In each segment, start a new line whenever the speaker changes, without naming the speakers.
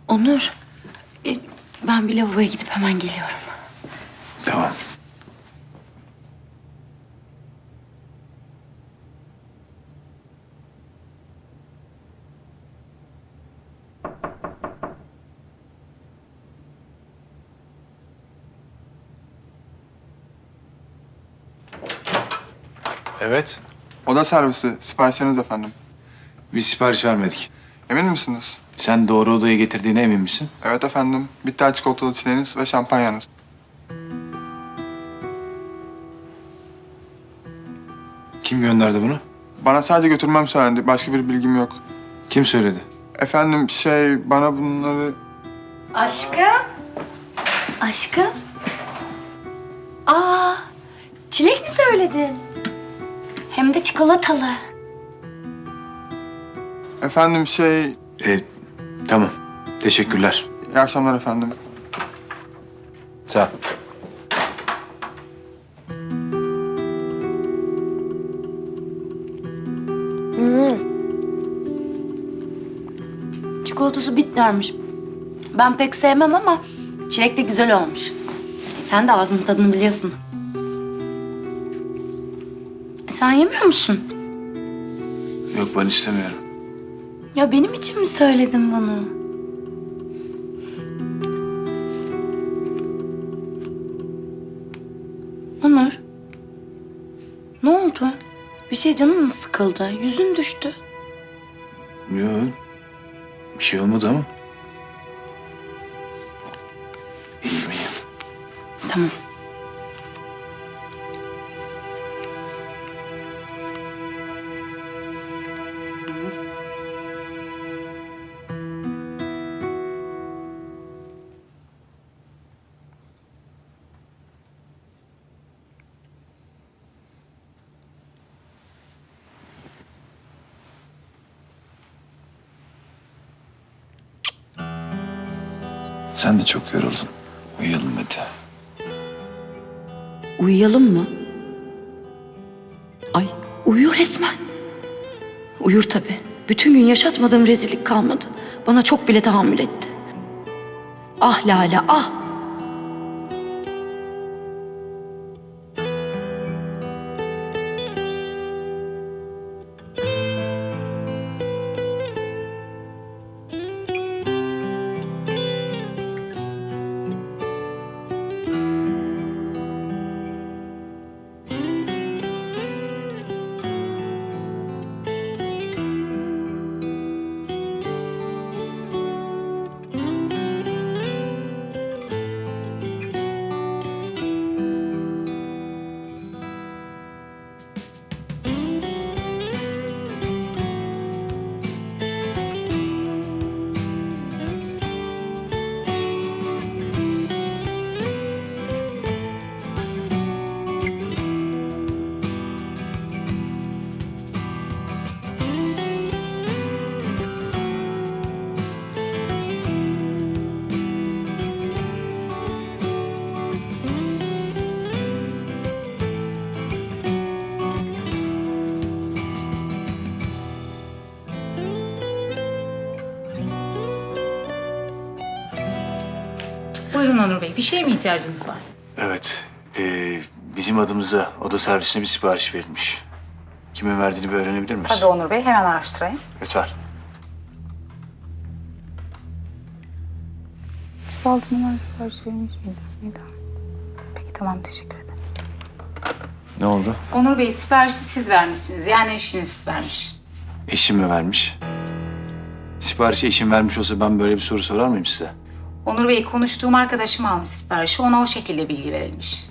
Onur, ben bir lavaboya gidip hemen geliyorum.
Tamam. Evet.
Oda servisi, siparişleriniz efendim.
Biz sipariş vermedik.
Emin misiniz?
Sen doğru odaya getirdiğine emin misin?
Evet efendim. Bitter çikolatalı çileğiniz ve şampanyanız.
Kim gönderdi bunu?
Bana sadece götürmem söylendi. Başka bir bilgim yok.
Kim söyledi?
Efendim bana bunları...
Aşkım. Aşkım. Aa, çilek mi söyledin? Hem de çikolatalı.
Efendim
Tamam. Teşekkürler.
İyi akşamlar efendim.
Sağ ol.
Çikolatası bitlermiş. Ben pek sevmem ama çilek de güzel olmuş. Sen de ağzının tadını biliyorsun. Sen yemiyor musun?
Yok, ben istemiyorum.
Ya benim için mi söyledin bunu? Onur. Ne oldu? Bir şey canın mı sıkıldı? Yüzün düştü.
Yok. Bir şey olmadı ama. İyiyim, iyiyim.
Tamam.
Sen de çok yoruldun. Uyuyalım hadi.
Uyuyalım mı? Ay, uyuyor resmen. Uyur tabii. Bütün gün yaşatmadığım rezillik kalmadı. Bana çok bile tahammül etti. Ah Lale, ah!
Buyurun Onur Bey, bir şeye mi ihtiyacınız var?
Evet. Bizim adımıza oda servisine bir sipariş verilmiş. Kimin verdiğini bir öğrenebilir miyiz?
Tabii Onur Bey, hemen araştırayım.
Lütfen.
36 numara sipariş verilmiş miydi? Peki tamam, teşekkür ederim.
Ne oldu?
Onur Bey, siparişi siz vermişsiniz. Yani eşiniz vermiş.
Eşim mi vermiş? Siparişi eşim vermiş olsa ben böyle bir soru sorar mıyım size?
Onur Bey, konuştuğum arkadaşım almış siparişi. Ona o şekilde bilgi verilmiş.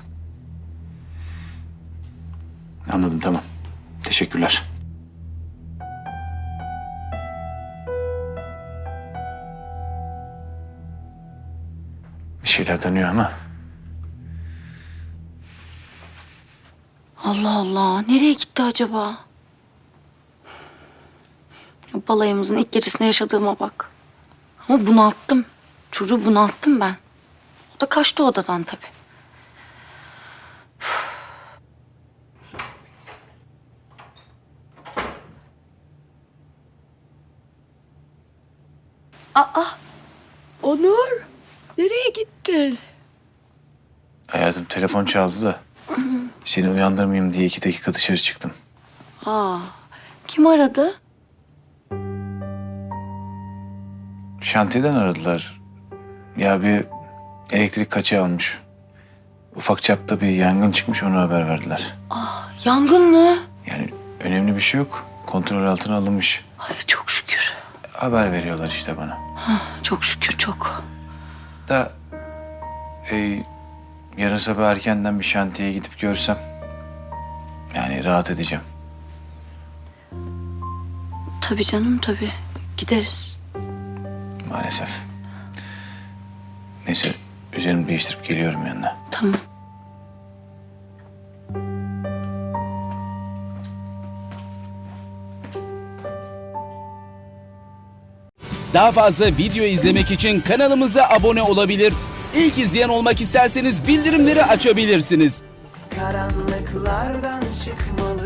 Anladım, tamam. Teşekkürler. Bir şeyler dönüyor ama.
Allah Allah, nereye gitti acaba? Ya balayımızın ilk gecesinde yaşadığıma bak. Ama bunalttım. Çocuğu bunalttım ben. O da kaçtı odadan tabii. Aa,
Onur, nereye gittin?
Hayatım telefon çaldı da seni uyandırmayayım diye 2 dakika dışarı çıktım.
Kim aradı?
Şantiyeden aradılar. Ya bir elektrik kaçağı olmuş. Ufak çapta bir yangın çıkmış, onu haber verdiler.
Yangın mı?
Yani önemli bir şey yok. Kontrol altına alınmış.
Ay çok şükür.
Haber veriyorlar işte bana.
Çok şükür çok.
Da yarın sabah erkenden bir şantiyeye gidip görsem yani rahat edeceğim.
Tabii canım tabii. Gideriz.
Maalesef. Neyse üzerimi değiştirip geliyorum yanına.
Tamam.
Daha fazla video izlemek için kanalımıza abone olabilir. İlk izleyen olmak isterseniz bildirimleri açabilirsiniz.
Karanlıklardan çıkmalı